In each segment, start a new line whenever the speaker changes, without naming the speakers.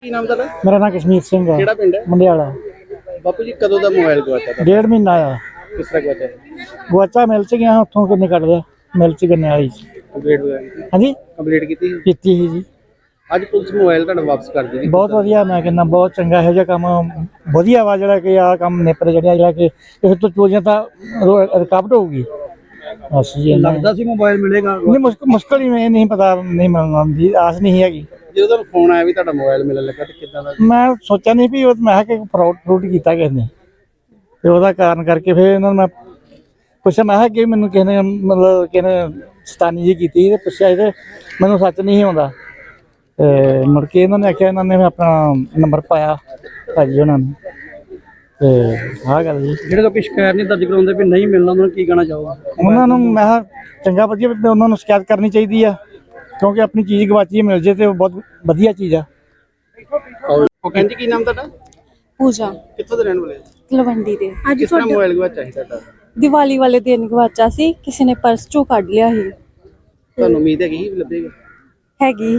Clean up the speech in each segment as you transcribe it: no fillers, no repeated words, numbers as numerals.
ਕੀ ਨਾਮ ਤੁਹਾਡਾ?
ਮੇਰਾ ਨਾਮ ਕਸ਼ਮੀਰ ਸਿੰਘ ਹੈ।
ਕਿਹੜਾ ਪਿੰਡ ਹੈ?
ਮੰਡਿਆਲਾ।
ਬਾਪੂ ਜੀ ਕਦੋਂ ਦਾ ਮੋਬਾਈਲ ਗਵਾਚਾ ਤੁਹਾਡਾ?
1.5 ਮਹੀਨਾ ਆਇਆ।
ਕਿਸ ਤਰ੍ਹਾਂ ਗਵਾਚਾ?
ਗਵਾਚਾ ਮਿਲ ਚ ਗਿਆ, ਉੱਥੋਂ ਕਿੰਨੇ ਕੱਢ ਲਿਆ ਮਿਲ ਚ ਗੰਨੇ ਵਾਲੀ ਚ।
ਕੰਪਲੀਟ ਵਗੈਰਾ ਕੀਤੀ?
ਹਾਂਜੀ
ਕੰਪਲੀਟ ਕੀਤੀ ਸੀ?
ਕੀਤੀ ਸੀ ਜੀ।
ਅੱਜ ਪੁਲਿਸ ਮੋਬਾਈਲ ਤੁਹਾਡਾ ਵਾਪਸ ਕਰ ਦੇਗੀ?
ਬਹੁਤ ਵਧੀਆ, ਮੈਂ ਕਹਿੰਦਾ ਬਹੁਤ ਚੰਗਾ ਇਹੋ ਜਿਹਾ ਕੰਮ ਵਧੀਆ ਵਾ ਜਿਹੜਾ ਕਿ ਆਹ ਕੰਮ ਨਿਪਰ ਜਿਹੜਾ ਕਿ ਇਸ ਤੋਂ ਚੋਰੀਆਂ ਤਾਂ ਰੁਕਾਵਟ ਹੋਊਗੀ। ਬਸ ਜੀ
ਲੱਗਦਾ ਸੀ ਮੋਬਾਈਲ ਮਿਲੇਗਾ?
ਨਹੀਂ, ਮੁਸ਼ਕਲ ਹੀ ਨਹੀਂ ਪਤਾ, ਨਹੀਂ ਮਿਲਣ ਦੀ ਆਸ ਨਹੀਂ ਹੈਗੀ।
ਜਦੋਂ ਤੁਹਾਨੂੰ ਫੋਨ ਆਇਆ ਵੀ ਤੁਹਾਡਾ ਮੋਬਾਈਲ ਮਿਲਣ ਲੱਗਾ ਤੇ ਕਿੱਦਾਂ ਦਾ?
ਮੈਂ ਸੋਚਿਆ ਨਹੀਂ ਵੀ ਮੈਂ ਕਿਹਾ ਕਿ ਫਰੋਡ ਕੀਤਾ ਕਿਸੇ ਨੇ, ਤੇ ਉਹਦਾ ਕਾਰਨ ਕਰਕੇ ਫਿਰ ਇਹਨਾਂ ਨੂੰ ਮੈਂ ਪੁੱਛਿਆ, ਮੈਂ ਕਿਹਾ ਕਿ ਮੈਨੂੰ ਕਿਸੇ ਨੇ ਮਤਲਬ ਕਿਸੇ ਨੇ ਸਤਾਨੀ ਜੀ ਕੀਤੀ ਤੇ ਪੁੱਛਿਆ ਤੇ ਮੈਨੂੰ ਸੱਚ ਨਹੀਂ ਆਉਂਦਾ। ਤੇ ਮੁੜ ਕੇ ਇਹਨਾਂ ਨੇ ਆਖਿਆ, ਇਹਨਾਂ ਨੇ ਆਪਣਾ ਨੰਬਰ ਪਾਇਆ ਭਾਜੀ ਉਹਨਾਂ ਨੂੰ, ਤੇ ਆਹ ਗੱਲ ਜੀ।
ਜਿਹੜੇ ਲੋਕ ਸ਼ਿਕਾਇਤ ਨਹੀਂ ਦਰਜ ਕਰਾਉਂਦੇ ਵੀ ਨਹੀਂ ਮਿਲਣਾ, ਉਹਨਾਂ ਨੂੰ ਕੀ ਕਹਿਣਾ ਚਾਹੋਗੇ?
ਉਹਨਾਂ ਨੂੰ ਮੈਂ ਕਿਹਾ ਚੰਗਾ ਵਧੀਆ ਉਹਨਾਂ ਨੂੰ ਸ਼ਿਕਾਇਤ ਕਰਨੀ ਚਾਹੀਦੀ ਆ, ਕਿਉਂਕਿ ਆਪਣੀ ਚੀਜ਼ ਗਵਾਚੀ ਮਿਲ ਜੇ ਤੇ ਉਹ ਬਹੁਤ ਵਧੀਆ ਚੀਜ਼ ਆ।
ਉਹ ਕਹਿੰਦੀ ਕੀ ਨਾਮ ਤੁਹਾਡਾ?
ਪੂਜਾ
ਕਿੱਥੋਂ ਦੇ ਰਹਿਣ ਵਾਲੇ?
ਤਲਵੰਡੀ ਦੇ। ਅੱਜ
ਕਿਸ ਤਰ੍ਹਾਂ ਮੋਬਾਈਲ ਗਵਾਚਾ ਸੀ ਤੁਹਾਡਾ?
ਦੀਵਾਲੀ ਵਾਲੇ ਦਿਨ ਗਵਾਚਾ ਸੀ, ਕਿਸੇ ਨੇ ਪਰਸ ਚੋਂ ਕੱਢ ਲਿਆ ਸੀ।
ਤੁਹਾਨੂੰ ਉਮੀਦ ਹੈਗੀ ਸੀ ਲੱਭੇਗਾ?
ਹੈਗੀ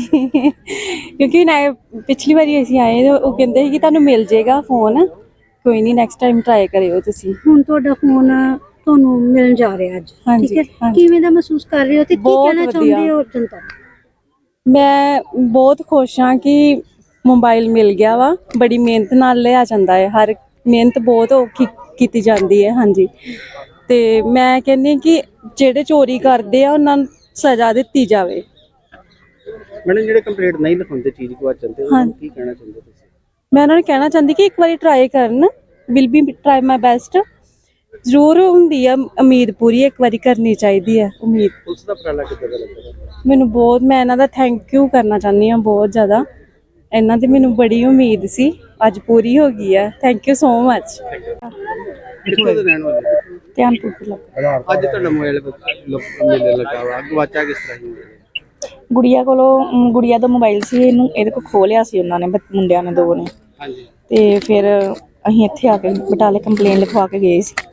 ਕਿਉਂਕਿ ਨਾ ਪਿਛਲੀ ਵਾਰੀ ਅਸੀਂ ਆਏ ਤੇ ਉਹ ਕਹਿੰਦੇ ਸੀ ਕਿ ਤੁਹਾਨੂੰ ਮਿਲ ਜਾਏਗਾ ਫੋਨ, ਕੋਈ ਨਹੀਂ ਨੈਕਸਟ ਟਾਈਮ ਟਰਾਈ ਕਰਿਓ ਤੁਸੀਂ।
ਹੁਣ ਤੁਹਾਡਾ ਫੋਨ ਤੁਹਾਨੂੰ ਮਿਲਣ ਜਾ ਰਿਹਾ ਅੱਜ, ਠੀਕ ਹੈ, ਕਿਵੇਂ ਦਾ ਮਹਿਸੂਸ ਕਰ ਰਹੇ ਹੋ ਤੇ ਕੀ ਕਹਿਣਾ ਚਾਹੁੰਦੇ ਹੋ ਜਨਤਾ ਨੂੰ?
ਮੈਂ ਬਹੁਤ ਖੁਸ਼ ਹਾਂ ਕਿ ਮੋਬਾਈਲ ਮਿਲ ਗਿਆ ਵਾ। ਬੜੀ ਮਿਹਨਤ ਨਾਲ ਲਿਆ ਜਾਂਦਾ ਹੈ, ਹਰ ਮਿਹਨਤ ਬਹੁਤ ਔਖੀ ਕੀਤੀ ਜਾਂਦੀ ਹੈ। ਹਾਂਜੀ, ਤੇ ਮੈਂ ਕਹਿੰਦੀ ਕਿ ਜਿਹੜੇ ਚੋਰੀ ਕਰਦੇ ਆ ਉਹਨਾਂ ਨੂੰ ਸਜ਼ਾ ਦਿੱਤੀ ਜਾਵੇ।
ਮੈਡਮ ਜਿਹੜੇ ਕੰਪਲੀਟ ਨਹੀਂ ਲਿਖਾਉਂਦੇ ਚੀਜ਼ ਗਵਾਚ ਜਾਂਦੇ, ਉਹਨਾਂ ਨੂੰ ਕੀ ਕਹਿਣਾ ਚਾਹੁੰਦੇ ਤੁਸੀਂ?
ਮੈਂ ਉਹਨਾਂ ਨੂੰ ਕਹਿਣਾ ਚਾਹੁੰਦੀ ਕਿ ਇੱਕ ਵਾਰੀ ਟਰਾਈ ਕਰਨ, will be try my best. ਜ਼ਰੂਰ ਹੁੰਦੀ ਆ ਉਮੀਦ, ਪੂਰੀ ਇੱਕ ਵਾਰੀ ਕਰਨੀ ਚਾਹੀਦੀ ਹੈ ਉਮੀਦ।
ਪੁਲਿਸ ਦਾ ਉਪਰਾਲਾ ਕਿੱਦਾਂ ਦਾ ਲੱਗਾ
ਮੈਨੂੰ ਬਹੁਤ, ਮੈਂ ਇਹਨਾਂ ਦਾ ਥੈਂਕ ਯੂ ਕਰਨਾ ਚਾਹੁੰਦੀ ਹਾਂ ਬਹੁਤ ਜ਼ਿਆਦਾ। ਇਹਨਾਂ ਦੀ ਮੈਨੂੰ ਬੜੀ ਉਮੀਦ ਸੀ, ਅੱਜ ਪੂਰੀ ਹੋ ਗਈ ਹੈ। Thank you so much.
ਕਿੱਥੋਂ ਦੇ ਰਹਿਣ ਵਾਲੇ?
ਧਿਆਨਪੁਰ ਤੋਂ ਲੱਗਾ।
ਅੱਜ ਤੁਹਾਡਾ ਮੋਬਾਈਲ ਮਿਲਣ ਲੱਗਾ ਵਾ, ਗਵਾਚਾ ਕਿਸ ਤਰ੍ਹਾਂ ਹੀ?
ਗੁੜੀਆ ਕੋਲੋਂ, ਗੁੜੀਆ ਦਾ ਮੋਬਾਈਲ ਸੀ, ਇਹਦੇ ਕੋਲ ਖੋਹ ਲਿਆ ਸੀ ਉਹਨਾਂ ਨੇ, ਮੁੰਡਿਆਂ ਨੇ, ਦੋ ਨੇ।
ਹਾਂਜੀ।
ਤੇ ਫਿਰ ਅਸੀਂ ਇੱਥੇ ਆ ਕੇ ਬਟਾਲੇ ਕੰਪਲੇਨ ਲਿਖਵਾ ਕੇ ਗਏ ਸੀ।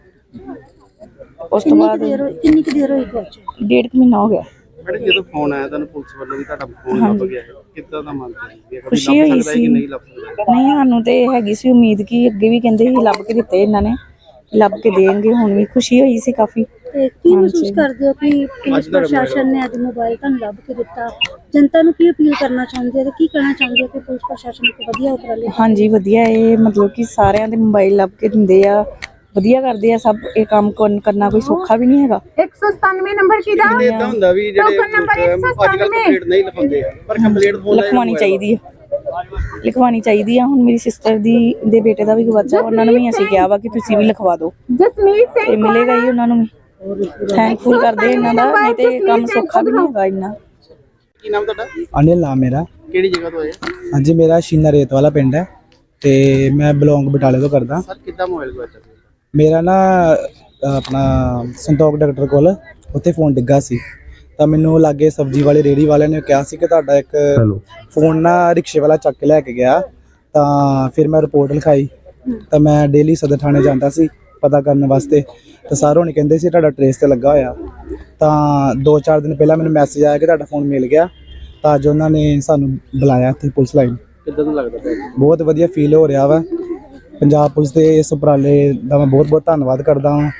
ਉਸ ਤੋਂ ਬਾਅਦ
ਕਿੰਨੀ ਕੁ ਦੇਰ ਹੋਈ ਗਵਾਚੇ?
1.5 ਮਹੀਨਾ ਹੋ ਗਿਆ।
ਮੈਡਮ ਜਦੋਂ ਫੋਨ ਆਇਆ ਤੁਹਾਨੂੰ ਪੁਲਿਸ ਵੱਲੋਂ ਵੀ ਤੁਹਾਡਾ ਫੋਨ ਲੱਭ ਗਿਆ, ਕਿੱਦਾਂ ਦਾ ਮਨ ਸੀ?
ਖੁਸ਼ੀ ਹੋਈ ਸੀ।
ਨਹੀਂ ਲੱਭ ਸਕਦਾ?
ਨਹੀਂ, ਸਾਨੂੰ ਤੇ ਹੈਗੀ ਸੀ ਉਮੀਦ ਕਿ ਅੱਗੇ ਵੀ ਕਹਿੰਦੇ ਸੀ ਲੱਭ ਕੇ ਦਿੱਤੇ ਇਹਨਾਂ ਨੇ, ਲੱਭ ਕੇ ਦੇਣਗੇ। ਹੁਣ ਵੀ ਖੁਸ਼ੀ ਹੋਈ ਸੀ ਕਾਫੀ।
ਤੇ ਕੀ ਮਹਿਸੂਸ ਕਰਦੇ ਹੋ ਕਿ ਪੁਲਿਸ ਪ੍ਰਸ਼ਾਸਨ ਨੇ ਅੱਜ ਮੋਬਾਈਲ ਤੁਹਾਨੂੰ ਲੱਭ ਕੇ ਦਿੱਤਾ? ਜਨਤਾ ਨੂੰ ਕੀ ਅਪੀਲ ਕਰਨਾ ਚਾਹੁੰਦੇ ਹੋ ਤੇ ਕੀ ਕਹਿਣਾ ਚਾਹੁੰਦੇ ਹੋ ਕਿ ਪੁਲਿਸ ਪ੍ਰਸ਼ਾਸਨ ਇੱਕ ਵਧੀਆ ਉਪਰਾਲੇ?
ਹਾਂਜੀ, ਵਧੀਆ। ਇਹ ਮਤਲਬ ਕਿ ਸਾਰਿਆਂ ਦੇ ਮੋਬਾਈਲ ਲੱਭ ਕੇ ਦਿੰਦੇ ਆ, ਵਧੀਆ ਕਰਦੇ ਆ ਸਭ। ਇਹ ਕੰਮ ਕਰਨਾ ਕੋਈ ਸੌਖਾ ਵੀ ਨਹੀਂ ਹੈਗਾ।
197 ਨੰਬਰ ਕਿਹਦਾ?
ਇਦਾਂ ਹੁੰਦਾ ਵੀ ਜਿਹੜੇ ਅੱਜ ਕੱਲ੍ਹ ਕੰਪਲੀਟ ਨਹੀਂ ਲਿਖਾਉਂਦੇ, ਪਰ ਕੰਪਲੀਟ
ਲਿਖਵਾਉਣੀ ਚਾਹੀਦੀ ਹੈ, ਲਿਖਵਾਉਣੀ ਚਾਹੀਦੀ ਆ। ਹੁਣ ਮੇਰੀ ਸਿਸਟਰ ਦੇ ਬੇਟੇ ਦਾ ਵੀ ਗਵਾਚਾ, ਉਹਨਾਂ ਨੂੰ ਵੀ ਅਸੀਂ ਕਿਹਾ ਵਾ ਕਿ ਤੁਸੀਂ ਵੀ ਲਿਖਵਾ ਦਿਓ, ਤੇ ਮਿਲੇਗਾ ਹੀ ਉਹਨਾਂ ਨੂੰ ਵੀ। ਥੈਂਕਫੁਲ ਕਰਦੇ ਇਹਨਾਂ ਦਾ, ਨਹੀਂ ਤੇ ਕੰਮ ਸੌਖਾ ਵੀ ਨਹੀਂ ਹੈਗਾ ਇੰਨਾ।
ਕੀ ਨਾਮ ਤੁਹਾਡਾ?
ਅਨਿਲ ਨਾਮ ਮੇਰਾ।
ਕਿਹੜੀ ਜਗ੍ਹਾ ਤੋਂ ਆਏ?
ਹਾਂਜੀ, ਮੇਰਾ ਸ਼ੀਨਾ ਰੇਤ ਵਾਲਾ ਪਿੰਡ ਹੈ ਤੇ ਮੈਂ ਬਿਲੋਂਗ ਬਟਾਲੇ ਤੋਂ ਕਰਦਾ।
ਸਰ ਕਿੱਦਾਂ ਮੋਬਾਈਲ ਗਵਾਚਾ?
ਮੇਰਾ ਨਾ ਆਪਣਾ ਸੰਤੋਖ ਡਾਕਟਰ ਕੋਲ ਉੱਥੇ ਫੋਨ ਡਿੱਗਾ ਸੀ, ਤਾਂ ਮੈਨੂੰ ਲਾਗੇ ਸਬਜ਼ੀ ਵਾਲੇ ਰੇਹੜੀ ਵਾਲਿਆਂ ਨੇ ਕਿਹਾ ਸੀ ਕਿ ਤੁਹਾਡਾ ਇੱਕ ਫੋਨ ਨਾ ਰਿਕਸ਼ੇ ਵਾਲਾ ਚੱਕ ਕੇ ਲੈ ਕੇ ਗਿਆ। ਤਾਂ ਫਿਰ ਮੈਂ ਰਿਪੋਰਟ ਲਿਖਾਈ, ਤਾਂ ਮੈਂ ਡੇਲੀ ਸਦਰ ਥਾਣੇ ਜਾਂਦਾ ਸੀ ਪਤਾ ਕਰਨ ਵਾਸਤੇ, ਤਾਂ ਸਰ ਹੋਣੀ ਕਹਿੰਦੇ ਸੀ ਤੁਹਾਡਾ ਟਰੇਸ ਤੇ ਲੱਗਾ ਹੋਇਆ। ਤਾਂ 2-4 ਦਿਨ ਪਹਿਲਾਂ ਮੈਨੂੰ ਮੈਸੇਜ ਆਇਆ ਕਿ ਤੁਹਾਡਾ ਫੋਨ ਮਿਲ ਗਿਆ, ਤਾਂ ਅੱਜ ਉਹਨਾਂ ਨੇ ਸਾਨੂੰ ਬੁਲਾਇਆ ਇੱਥੇ ਪੁਲਿਸ ਲਾਈਨ।
ਕਿੱਦਾਂ ਦਾ ਲੱਗਦਾ ਪਿਆ?
ਬਹੁਤ ਵਧੀਆ ਫੀਲ ਹੋ ਰਿਹਾ ਵਾ। ਪੰਜਾਬ ਪੁਲਿਸ ਦੇ ਇਸ ਉਪਰਾਲੇ ਦਾ ਮੈਂ ਬਹੁਤ ਬਹੁਤ ਧੰਨਵਾਦ ਕਰਦਾ ਹਾਂ।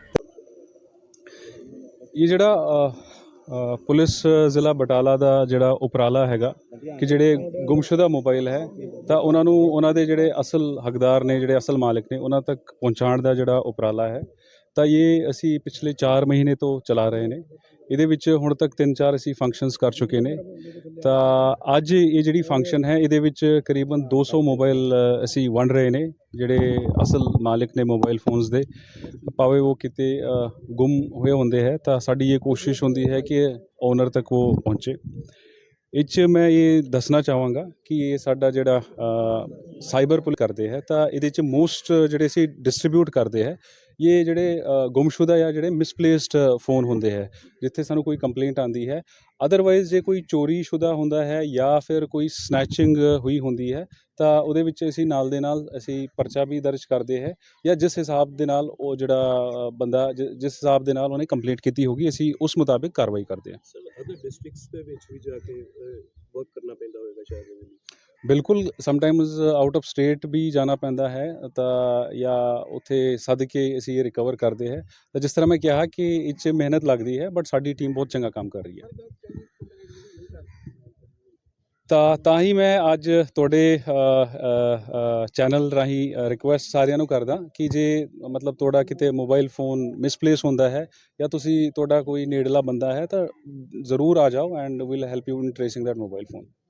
ਇਹ ਜਿਹੜਾ ਪੁਲਿਸ ਜ਼ਿਲ੍ਹਾ ਬਟਾਲਾ ਦਾ ਜਿਹੜਾ ਉਪਰਾਲਾ ਹੈਗਾ ਕਿ ਜਿਹੜੇ ਗੁੰਮਸ਼ੁਦਾ ਮੋਬਾਈਲ ਹੈ, ਤਾਂ ਉਹਨਾਂ ਨੂੰ ਉਹਨਾਂ ਦੇ ਜਿਹੜੇ ਅਸਲ ਹੱਕਦਾਰ ਨੇ, ਜਿਹੜੇ ਅਸਲ ਮਾਲਕ ਨੇ, ਉਹਨਾਂ ਤੱਕ ਪਹੁੰਚਾਉਣ ਦਾ ਜਿਹੜਾ ਉਪਰਾਲਾ ਹੈ, ਤਾਂ ਇਹ ਅਸੀਂ ਪਿਛਲੇ 4 ਮਹੀਨੇ ਤੋਂ ਚਲਾ ਰਹੇ ਨੇ। ਇਹਦੇ ਵਿੱਚ ਹੁਣ ਤੱਕ 3-4 ਅਸੀਂ ਫੰਕਸ਼ਨਸ ਕਰ ਚੁੱਕੇ ਨੇ। ਤਾਂ ਅੱਜ ਇਹ ਜਿਹੜੀ ਫੰਕਸ਼ਨ ਹੈ, ਇਹਦੇ ਵਿੱਚ ਕਰੀਬਨ 200 ਮੋਬਾਈਲ ਅਸੀਂ ਵੰਡ ਰਹੇ ਨੇ, ਜਿਹੜੇ ਅਸਲ ਮਾਲਿਕ ਨੇ ਮੋਬਾਈਲ ਫੋਨਸ ਦੇ, ਭਾਵੇਂ ਉਹ ਕਿਤੇ ਗੁੰਮ ਹੋਏ ਹੁੰਦੇ ਹੈ। ਤਾਂ ਸਾਡੀ ਇਹ ਕੋਸ਼ਿਸ਼ ਹੁੰਦੀ ਹੈ ਕਿ ਓਨਰ ਤੱਕ ਉਹ ਪਹੁੰਚੇ। ਇਹ 'ਚ ਮੈਂ ਇਹ ਦੱਸਣਾ ਚਾਹਾਂਗਾ ਕਿ ਇਹ ਸਾਡਾ ਜਿਹੜਾ ਸਾਈਬਰ ਪੁਲਿਸ ਕਰਦੇ ਹੈ, ਤਾਂ ਇਹਦੇ 'ਚ ਮੋਸਟ ਜਿਹੜੇ ਅਸੀਂ ਡਿਸਟਰੀਬਿਊਟ ਕਰਦੇ ਹੈ, ਇਹ ਜਿਹੜੇ ਗੁੰਮਸ਼ੁਦਾ ਜਾਂ ਜਿਹੜੇ ਮਿਸਪਲੇਸਡ ਫੋਨ ਹੁੰਦੇ ਹੈ, ਜਿੱਥੇ ਸਾਨੂੰ ਕੋਈ ਕੰਪਲੇਂਟ ਆਉਂਦੀ ਹੈ। ਅਦਰਵਾਈਜ਼ ਜੇ ਕੋਈ ਚੋਰੀ ਸ਼ੁਦਾ ਹੁੰਦਾ ਹੈ ਜਾਂ ਫਿਰ ਕੋਈ ਸਨੈਚਿੰਗ ਹੋਈ ਹੁੰਦੀ ਹੈ, ਤਾਂ ਉਹਦੇ ਵਿੱਚ ਅਸੀਂ ਨਾਲ ਦੇ ਨਾਲ ਅਸੀਂ ਪਰਚਾ ਵੀ ਦਰਜ ਕਰਦੇ ਹੈ, ਜਾਂ ਜਿਸ ਹਿਸਾਬ ਦੇ ਨਾਲ ਉਹ ਜਿਹੜਾ ਬੰਦਾ ਜਿਸ ਹਿਸਾਬ ਦੇ ਨਾਲ ਉਹਨੇ ਕੰਪਲੇਂਟ ਕੀਤੀ ਹੋਗੀ, ਅਸੀਂ ਉਸ ਮੁਤਾਬਿਕ ਕਾਰਵਾਈ ਕਰਦੇ ਹਾਂ।
ਅਦਰ ਡਿਸਟ੍ਰਿਕਟਸ ਦੇ ਵਿੱਚ ਵੀ ਜਾ ਕੇ ਵਰਕ ਕਰਨਾ ਪੈਂਦਾ ਹੋਵੇਗਾ ਸ਼ਾਇਦ?
ਬਿਲਕੁਲ ਸਮਟਾਈਮਸ ਆਊਟ ਆਫ ਸਟੇਟ ਵੀ ਜਾਣਾ ਪੈਂਦਾ ਹੈ ਤਾਂ ਜਾਂ ਉੱਥੇ ਸੱਦ ਕੇ ਅਸੀਂ ਇਹ ਰਿਕਵਰ ਕਰਦੇ ਹੈ। ਤਾਂ ਜਿਸ ਤਰ੍ਹਾਂ ਮੈਂ ਕਿਹਾ ਕਿ ਇਹ 'ਚ ਮਿਹਨਤ ਲੱਗਦੀ ਹੈ, ਬਟ ਸਾਡੀ ਟੀਮ ਬਹੁਤ ਚੰਗਾ ਕੰਮ ਕਰ ਰਹੀ ਹੈ। ਤਾਂ ਹੀ ਮੈਂ ਅੱਜ ਤੁਹਾਡੇ ਚੈਨਲ ਰਾਹੀਂ ਰਿਕੁਐਸਟ ਸਾਰਿਆਂ ਨੂੰ ਕਰਦਾ ਕਿ ਜੇ ਮਤਲਬ ਤੁਹਾਡਾ ਕਿਤੇ ਮੋਬਾਈਲ ਫੋਨ ਮਿਸਪਲੇਸ ਹੁੰਦਾ ਹੈ ਜਾਂ ਤੁਹਾਡਾ ਕੋਈ ਨੇੜਲਾ ਬੰਦਾ ਹੈ ਤਾਂ ਜ਼ਰੂਰ ਆ ਜਾਓ and will help you in tracing that mobile phone.